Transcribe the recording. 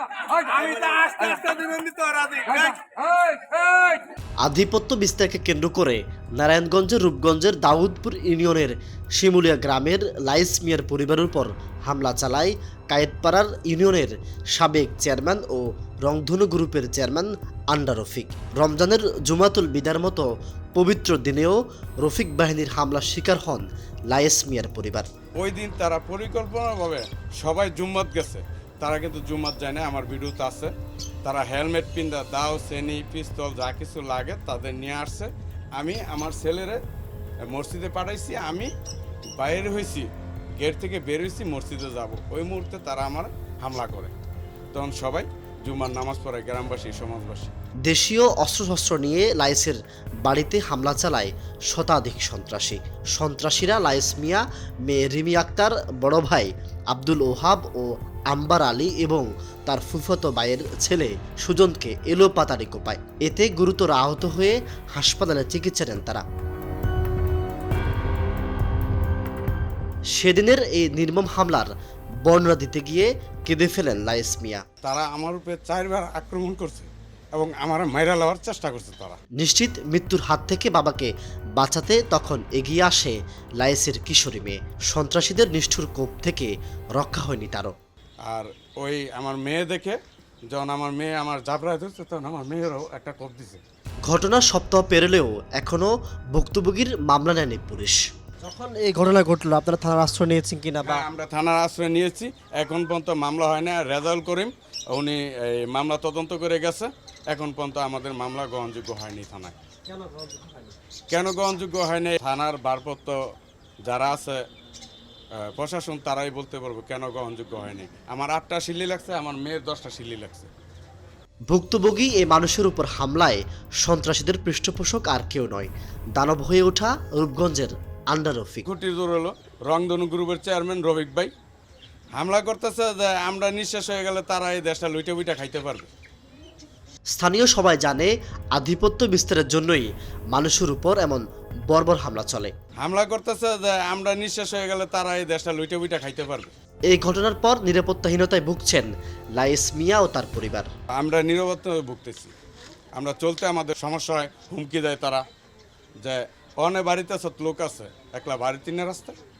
আধিপত্য বিস্তারকে কেন্দ্র করে নারায়ণগঞ্জের রূপগঞ্জের দাউদপুর ইউনিয়নের শিমুলিয়া গ্রামের লাইস মিয়ার পরিবারের উপর হামলা চালায় কায়েতপাড়ার ইউনিয়নের সাবেক চেয়ারম্যান ও রংধনু গ্রুপের চেয়ারম্যান আন্ডা রফিক। রমজানের জুমাতুল বিদার মতো পবিত্র দিনেও রফিক বাহিনীর হামলার শিকার হন লাইস মিয়ার পরিবার। ওই দিন তারা পরিকল্পনাভাবে সবাই জুম্মাত গেছে, তারা কিন্তু জুম্মাত যায় না। আমার ভিডিওতে আছে, তারা হেলমেট পিন্দা দাও সেনি পিস্তল যা কিছু লাগে তাদের নিয়ে আসছে। আমি আমার ছেলেরে মসজিদে পাঠাইছি, আমি বাইরে হয়েছি, গেট থেকে বের হয়েছি, মসজিদে যাব। ওই মুহূর্তে তারা আমার হামলা করে। তখন সবাই জুম্মার নামাজ পড়ে, গ্রামবাসী সমাজবাসী। দেশীয় অস্ত্রশস্ত্র নিয়ে লাইসের বাড়িতে হামলা চালায় শতাধিক সন্ত্রাসী। সন্ত্রাসীরা লাইস মিয়া, মেয়ে রিমি আক্তার, বড় ভাই আব্দুল ওহাব ও আম্বার আলী এবং তার ফুফাতো ভাইয়ের ছেলে সুজনকে এলোপাতাড়ি কোপায়। এতে গুরুতর আহত হয়ে হাসপাতালে চিকিৎসা নেন তারা। সেদিনের এই নির্মম হামলার বর্ণনা দিতে গিয়ে কেঁদে ফেলেন লাইস মিয়া। তারা আমার উপরে 4 বার আক্রমণ করছে এবং আমার মাইরা লওয়ার চেষ্টা করছে তারা। নিশ্চিত মৃত্যুর হাত থেকে বাবাকে বাঁচাতে তখন এগিয়ে আসে লাইসের কিশোরী মেয়ে। সন্ত্রাসীদের নিষ্ঠুর কোপ থেকে রক্ষা হয়নি তারও। আর ওই আমার মেয়ে দেখে যখন আমার মেয়ে আমার জাবরায় ধরছে, তখন আমার মেয়েরও একটা কোপ দিছে। ঘটনার সপ্তাহ পেরোলেও এখনও ভুক্তভোগীর মামলা নেয়নি পুলিশ। যখন এই ঘটনা ঘটলো আপনারা থানার আশ্রয় নিয়েছেন কিনা? বা আমরা থানার আশ্রয় নিয়েছি, এখন পর্যন্ত মামলা হয় না। রেজাউল করিম উনি এই মামলা তদন্ত করে গেছে, এখন পর্যন্ত আমাদের মামলা গ্রহণযোগ্য হয়নি থানায়। কেন গ্রহণযোগ্য হয়নি? থানার ভারপ্রাপ্ত যারা আছে প্রশাসন, তারাই বলতে পারবো কেন গ্রহণযোগ্য হয়নি। আমার 8টা সিলি লাগছে, আমার মেয়ের 10টা সিলি লাগছে। ভুক্তভোগী এই মানুষের উপর হামলায় সন্ত্রাসীদের পৃষ্ঠপোষক আর কেউ নয়, দানব হয়ে ওঠা রূপগঞ্জের আন্ডা রফিক। খুঁটির জোর হলো রংধনু গ্রুপের চেয়ারম্যান রফিক ভাই হামলা করতেছে যে আমরা নিঃশেষ হয়ে গেলে তারা এই দেশটা লুইটা বুইটা খাইতে পারবে। স্থানীয় সবাই জানে আধিপত্য বিস্তারের জন্যই মানুষের উপর এমন বর্বর হামলা চলে। হামলা করতেছে যে আমরা নিঃশেষ হয়ে গেলে তারা এই দেশটা লুইটা বুইটা খাইতে পারবে। এই ঘটনার পর নিরাপত্তাহীনতায় ভুগছেন লাইস মিয়া ও তার পরিবার। আমরা নিরাপত্তায় ভুগতেছি, আমরা চলতে আমাদের সমস্যা হয়, হুমকি দেয় তারা যে অনেক বাড়িতে লোক আছে, একলা বাড়িতে না রাস্তায়।